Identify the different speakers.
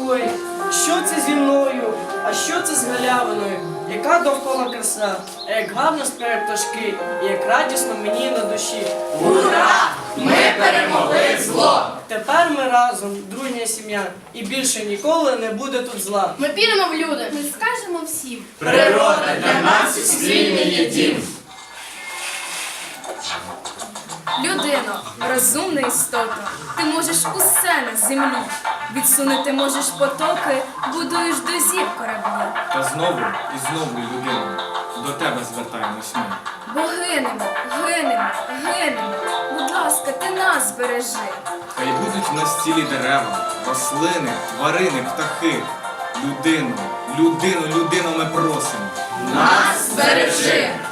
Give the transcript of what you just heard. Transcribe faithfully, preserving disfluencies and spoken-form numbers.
Speaker 1: Ой, що це зі мною? А що це з галявиною? Яка довкола краса, а як гарно співають пташки, і як радісно мені на душі.
Speaker 2: Ура! Ми перемогли зло!
Speaker 1: Тепер ми разом, дружня сім'я, і більше ніколи не буде тут зла.
Speaker 3: Ми підемо в люди.
Speaker 4: Ми скажемо всім.
Speaker 2: Природа для нас спільний є дім.
Speaker 4: Людино, розумна істота, ти можеш усе на землі. Відсунути можеш потоки, будуєш до зір кораблі.
Speaker 5: Та знову і знову, людино, до тебе звертаємось ми.
Speaker 4: Бо гинемо, гинемо, гинемо. Будь ласка, ти нас збережи.
Speaker 5: Хай будуть в нас цілі дерева, рослини, тварини, птахи. Людину, людину, людину ми просимо.
Speaker 2: Нас збережи!